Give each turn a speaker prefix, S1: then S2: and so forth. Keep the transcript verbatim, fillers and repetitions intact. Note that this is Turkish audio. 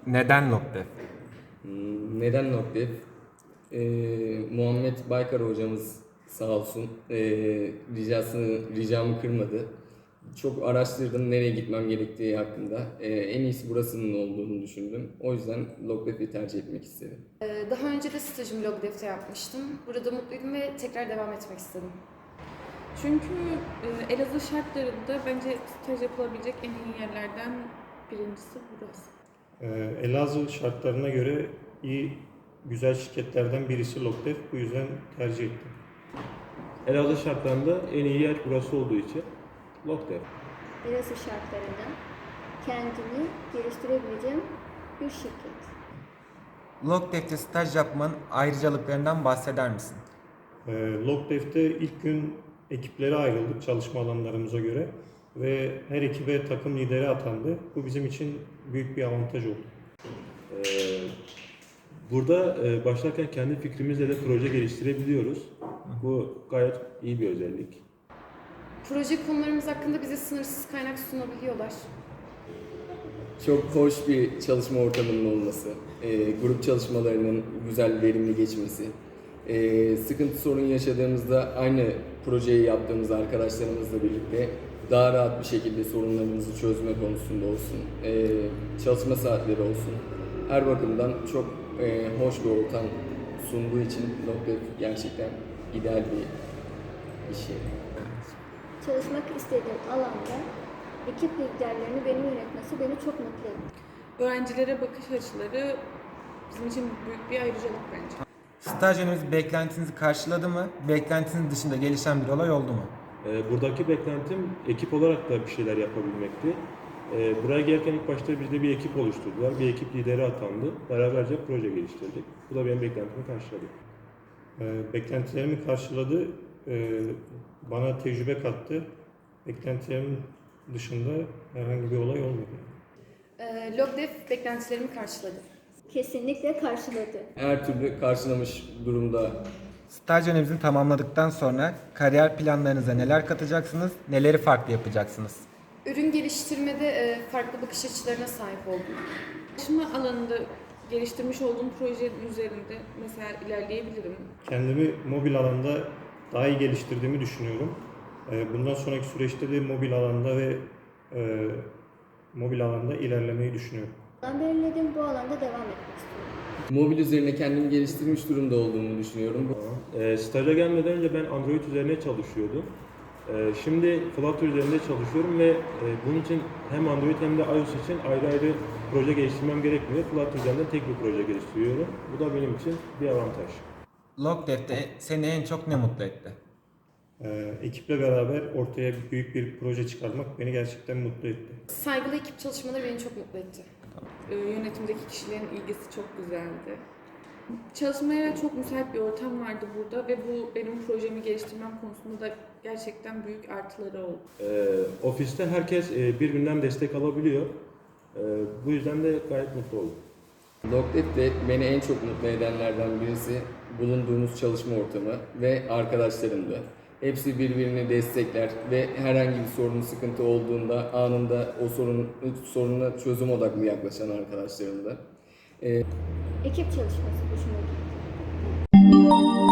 S1: Neden Lokdef?
S2: Hmm, Neden Nokdev? Ee, Muhammed Baykar hocamız sağ olsun ee, ricasını, ricamı kırmadı. Çok araştırdım nereye gitmem gerektiği hakkında. Ee, en iyisi burasının olduğunu düşündüm. O yüzden Lokdev'i tercih etmek istedim.
S3: Ee, Daha önce de stajımı Logdev'te yapmıştım. Burada mutluydum ve tekrar devam etmek istedim.
S4: Çünkü e, Elazığ şartlarında bence staj yapılabilecek en iyi yerlerden birincisi burası.
S5: Ee, Elazığ şartlarına göre iyi, güzel şirketlerden birisi Lokdef. Bu yüzden tercih ettim.
S6: Elazığ şartlarında en iyi yer burası olduğu için Lokdef.
S7: Elazığ şartlarında kendini geliştirebileceğim bir şirket.
S1: Lokdef'te staj yapmanın ayrıcalıklarından bahseder misin?
S5: Ee, Lokdef'te ilk gün ekiplere ayrıldık çalışma alanlarımıza göre ve her ekibe takım lideri atandı. Bu bizim için büyük bir avantaj oldu.
S6: Ee, burada e, başlarken kendi fikrimizle de proje geliştirebiliyoruz. Bu gayet iyi bir özellik.
S3: Proje konularımız hakkında bize sınırsız kaynak sunabiliyorlar.
S2: Çok hoş bir çalışma ortamının olması, ee, grup çalışmalarının güzel, verimli geçmesi, ee, sıkıntı sorun yaşadığımızda aynı projeyi yaptığımız arkadaşlarımızla birlikte daha rahat bir şekilde sorunlarımızı çözme konusunda olsun, ee, çalışma saatleri olsun. Her bakımdan çok ee, hoş bir ortam sunduğu için Lokdef gerçekten ideal bir iş yeri.
S7: Çalışmak istediğim alanda ekip liderlerini benim yönetmesi beni çok mutlu etti.
S4: Öğrencilere bakış açıları bizim için büyük bir ayrıcalık bence.
S1: Staj döneminiz beklentinizi karşıladı mı? Beklentinizin dışında gelişen bir olay oldu mu?
S6: Ee, buradaki beklentim ekip olarak da bir şeyler yapabilmekti. Ee, buraya gelirken ilk başta bizde bir ekip oluşturdular. Bir ekip lideri atandı. Beraberce proje geliştirdik. Bu da benim beklentimi karşıladı.
S5: Ee, beklentilerimi karşıladı, ee, bana tecrübe kattı. Beklentilerimin dışında herhangi bir olay olmadı.
S3: Ee, Logdev beklentilerimi karşıladı.
S7: Kesinlikle karşıladı.
S2: Her türlü karşılamış durumda.
S1: Staj döneminizi tamamladıktan sonra kariyer planlarınıza neler katacaksınız, neleri farklı yapacaksınız?
S3: Ürün geliştirmede e, farklı bakış açılarına sahip oldum.
S4: Çalışma alanında geliştirmiş olduğum projenin üzerinde mesela ilerleyebilirim.
S5: Kendimi mobil alanda daha iyi geliştirdiğimi düşünüyorum. Ee, Bundan sonraki süreçte de mobil alanda ve e, mobil alanda ilerlemeyi düşünüyorum.
S7: Ben belirlediğim bu alanda devam etmek istiyorum.
S2: Mobil üzerine kendimi geliştirmiş durumda olduğumu düşünüyorum. Bu-
S6: Ee, staja gelmeden önce ben Android üzerine çalışıyordum. Ee, şimdi Flutter üzerinde çalışıyorum ve e, bunun için hem Android hem de iOS için ayrı ayrı proje geliştirmem gerekmiyor. Flutter üzerinde tek bir proje geliştiriyorum. Bu da benim için bir avantaj.
S1: Lokdef'te seni en çok ne mutlu etti?
S5: Ee, Ekiple beraber ortaya büyük bir proje çıkarmak beni gerçekten mutlu etti.
S3: Saygılı ekip çalışmaları beni çok mutlu etti.
S4: Ee, yönetimdeki kişilerin ilgisi çok güzeldi. Çalışmaya çok müsait bir ortam vardı burada ve bu benim projemi geliştirmem konusunda da gerçekten büyük artıları oldu.
S6: Ee, ofiste herkes e, birbirinden destek alabiliyor. Ee, bu yüzden de gayet mutlu oldum.
S2: Lokdef de beni en çok mutlu edenlerden birisi bulunduğumuz çalışma ortamı ve arkadaşlarımdı. Hepsi birbirini destekler ve herhangi bir sorun, sıkıntı olduğunda anında o sorun, soruna çözüm odaklı yaklaşan arkadaşlarımdı.
S7: Ekip çalışması hoşuma gitti.